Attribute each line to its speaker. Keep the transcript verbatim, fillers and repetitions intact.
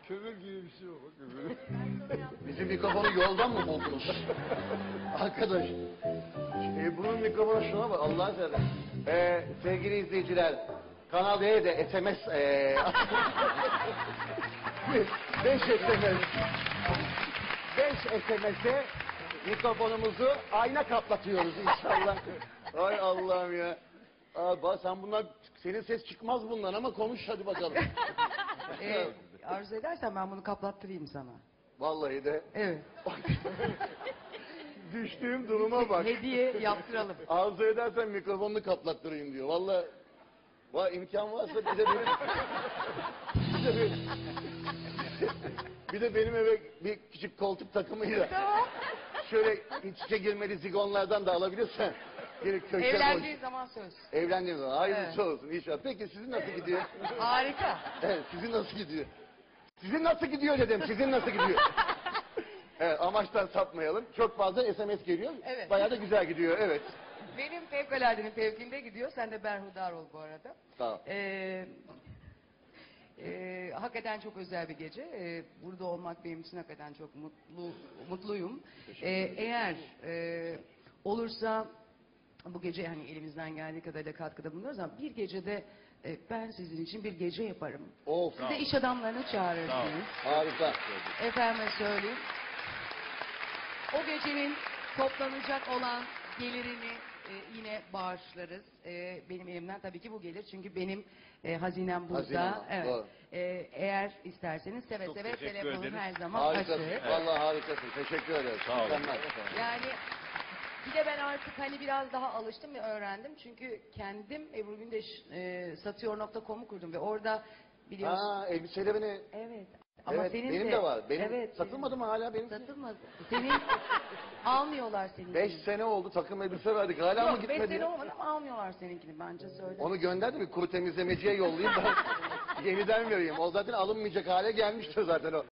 Speaker 1: Kömür gibi bir şey o. Kömür.
Speaker 2: Bizim mikrofonu yoldan mı buldunuz? Arkadaş. E, bunun mikrofonu şuna bak Allah'ın seversen. E, sevgili izleyiciler. Kanal D'de S M S. E, beş S M S. beş S M S'e mikrofonumuzu ayna kaplatıyoruz inşallah. Ay Allah'ım ya. Aa, bak sen bunlar, senin ses çıkmaz bundan ama konuş hadi bakalım.
Speaker 3: Ee, arzu edersen ben bunu kaplattırayım sana.
Speaker 2: Vallahi de.
Speaker 3: Evet.
Speaker 2: Düştüğüm duruma bak.
Speaker 3: Hediye yaptıralım.
Speaker 2: Arzu edersen mikrofonunu kaplattırayım diyor. Vallahi va, imkan varsa bir de benim bir de benim, bir de benim eve bir küçük koltuk takımıyla şöyle iç içe girmeli zigonlardan da alabilirsen. Geri köşe
Speaker 3: Evlendiğin
Speaker 2: boş.
Speaker 3: zaman söz.
Speaker 2: Evlendiğim zaman. Hayırlısı
Speaker 3: Evet.
Speaker 2: olsun inşallah. Peki sizin nasıl gidiyor?
Speaker 3: Harika.
Speaker 2: Evet, sizin nasıl gidiyor? Sizin nasıl gidiyor dedim. Sizin nasıl gidiyor? Evet, amaçtan sapmayalım. Çok fazla S M S geliyor.
Speaker 3: Evet.
Speaker 2: Bayağı da güzel gidiyor. Evet.
Speaker 3: Benim fevkaladenin fevkinde gidiyor. Sen de berhudar ol bu arada.
Speaker 2: Sağ ol.
Speaker 3: Ee, e, hakikaten çok özel bir gece. Ee, burada olmak benim için hakikaten çok mutlu mutluyum. Ee, eğer e, olursa bu gece hani elimizden geldiği kadarıyla katkıda bulunuyoruz ama bir gecede e, ben sizin için bir gece yaparım.
Speaker 2: Of.
Speaker 3: Siz de iş adamlarını çağırırsınız.
Speaker 2: Harika.
Speaker 3: Efendime söyleyeyim. O gecenin toplanacak olan gelirini e, yine bağışlarız. E, benim elimden tabii ki bu gelir. Çünkü benim e, hazinem burada.
Speaker 2: Hazinem,
Speaker 3: Evet.
Speaker 2: doğru.
Speaker 3: E, eğer isterseniz seve
Speaker 1: Çok
Speaker 3: seve
Speaker 1: teşekkür
Speaker 3: telefonum
Speaker 1: ederiz.
Speaker 3: her zaman
Speaker 2: Harikasın.
Speaker 3: açık.
Speaker 2: Vallahi harikasın. Teşekkür ederim.
Speaker 1: Sağ olun.
Speaker 2: Mükemmel.
Speaker 3: Yani bir de ben artık hani biraz daha alıştım ve öğrendim. Çünkü kendim Ebru Gündeş e, satıyor nokta com'u kurdum ve orada biliyorsun.
Speaker 2: Ha, elbiselerini.
Speaker 3: Evet. Ama
Speaker 2: Evet,
Speaker 3: senin
Speaker 2: benim
Speaker 3: de,
Speaker 2: de var. Benim
Speaker 3: evet,
Speaker 2: satılmadı
Speaker 3: senin-
Speaker 2: mı hala benim?
Speaker 3: Satılmadı. Senin almıyorlar seninkini.
Speaker 2: Beş sene oldu takım elbise verdik. Hala mı
Speaker 3: Yok, beş
Speaker 2: gitmedi?
Speaker 3: sene
Speaker 2: ya?
Speaker 3: olmadı ama almıyorlar seninkini bence söyle.
Speaker 2: Onu gönder de bir kuru temizlemeciye yollayayım ben yeniden vereyim. O zaten alınmayacak hale gelmiştir zaten o.